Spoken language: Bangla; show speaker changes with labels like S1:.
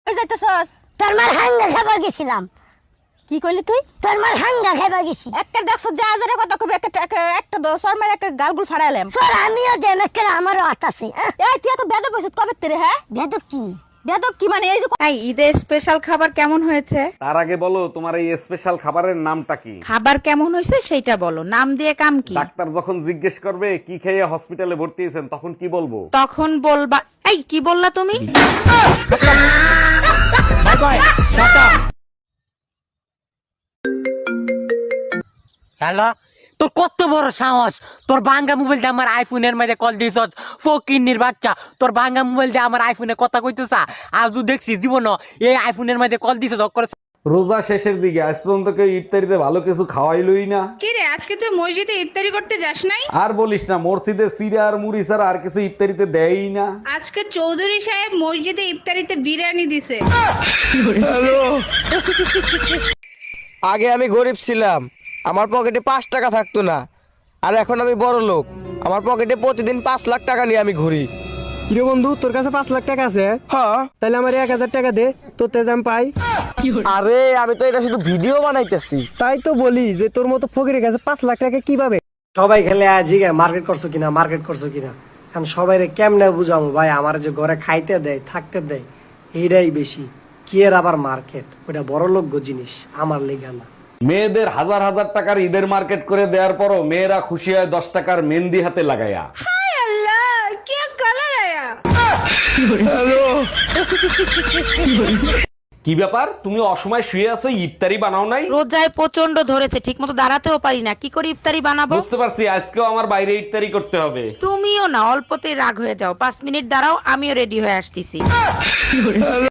S1: ওই যাইতেছস?
S2: তোর মার হাঙ্গা খাবার গেছিলাম।
S1: কি কইলি তুই?
S2: তোর মার হাঙ্গা খাবার গেছি।
S1: একটা দেখছ যে আজারে কথা কবি একটা শর্মার একটা গালগুল ফাড়াইলাম।
S2: তোর আমিও দেম একটা আমারও হাত আছে।
S1: এই তুই এত বেদব হইছিস কবে তেরে? হ্যাঁ
S2: বেদব কি?
S1: বেদব কি মানে এই যে
S3: এই ঈদের স্পেশাল খাবার কেমন হয়েছে?
S4: তার আগে বলো তোমার এই স্পেশাল খাবারের নামটা কি?
S3: খাবার কেমন হয়েছে সেইটা বলো, নাম দিয়ে কাম কি?
S4: ডাক্তার যখন জিজ্ঞেস করবে কি খেয়ে হসপিটালে ভর্তি হয়েছেন তখন কি বলবো?
S3: তখন বলবা এই কি বললা তুমি?
S5: হ্যালো, তোর কত বড় সাহস? তোর ভাঙ্গা মোবাইল দিয়ে আমার আইফোনের মধ্যে কল দিছ? ফকিন্নির বাচ্চা, তোর ভাঙ্গা মোবাইল দিয়ে আমার আইফোনে কথা কইতেছা? আজও দেখছি জীবন এই আইফোনের মধ্যে কল দিছ।
S4: রোজা শেষের দিকে আজ পর্যন্ত কেউ ইফতারিতে ভালো কিছু খাওয়াইলই না।
S6: কি রে, আজকে তুই মসজিদে ইফতারি করতে যাস নাই?
S4: আর বলিস না, মসজিদে সিরা আর মুড়ি ছাড়া আর কিছু ইফতারিতে দেয়ই না।
S6: আজকে চৌধুরী সাহেব মসজিদে ইফতারিতে বিরিয়ানি দিছে।
S7: আগে আমি গরিব ছিলাম, আমার পকেটে 5 টাকা থাকতো না। আর এখন আমি বড় লোক, আমার পকেটে প্রতিদিন 5 লাখ টাকা নিয়ে আমি ঘুরি।
S8: কিরে বন্ধু, তোর কাছে 5 লাখ টাকা আছে?
S7: হ্যাঁ।
S8: তাহলে আমার 1000 টাকা দে, তোর তেজ আমি পাই।
S7: আরে আমি তো এটা শুধু ভিডিও বানাইতেছি।
S8: তাই তো বলি যে তোর মতো ফকিরের কাছে 5 লাখ টাকা কিভাবে? সবাই খেলে জিগে মার্কেট করছো কিনা, মার্কেট করছো কিনা। এখন সবাই কেমনে বুঝাবো ভাই, আমার যে ঘরে খাইতে দেয় থাকতে দেয় এইটাই বেশি। কি এর আবার মার্কেট, ওটা বড় লোক জিনিস, আমার লেগা না।
S4: মেয়েদের হাজার হাজার টাকার ঈদের মার্কেট করে দেওয়ার পরও মেয়েরা খুশি হয় 10 টাকার মেহেন্দি হাতে লাগাইয়া।
S6: হায় আল্লাহ, কি কালার আয়া।
S4: কি ব্যাপার, তুমি অসময় শুয়ে আছো, ইফতারি বানাও নাই?
S3: রোজায় প্রচন্ড ধরেছে, ঠিকমতো দাঁড়াতেও পারি না, কি করে ইফতারি বানাবো?
S4: বুঝতে পারছি, আজকেও আমার বাইরে ইফতারি করতে হবে।
S3: তুমিও না অল্পতেই রাগ হয়ে যাও, 5 মিনিট দাঁড়াও, আমিও রেডি হয়ে আসতেছি।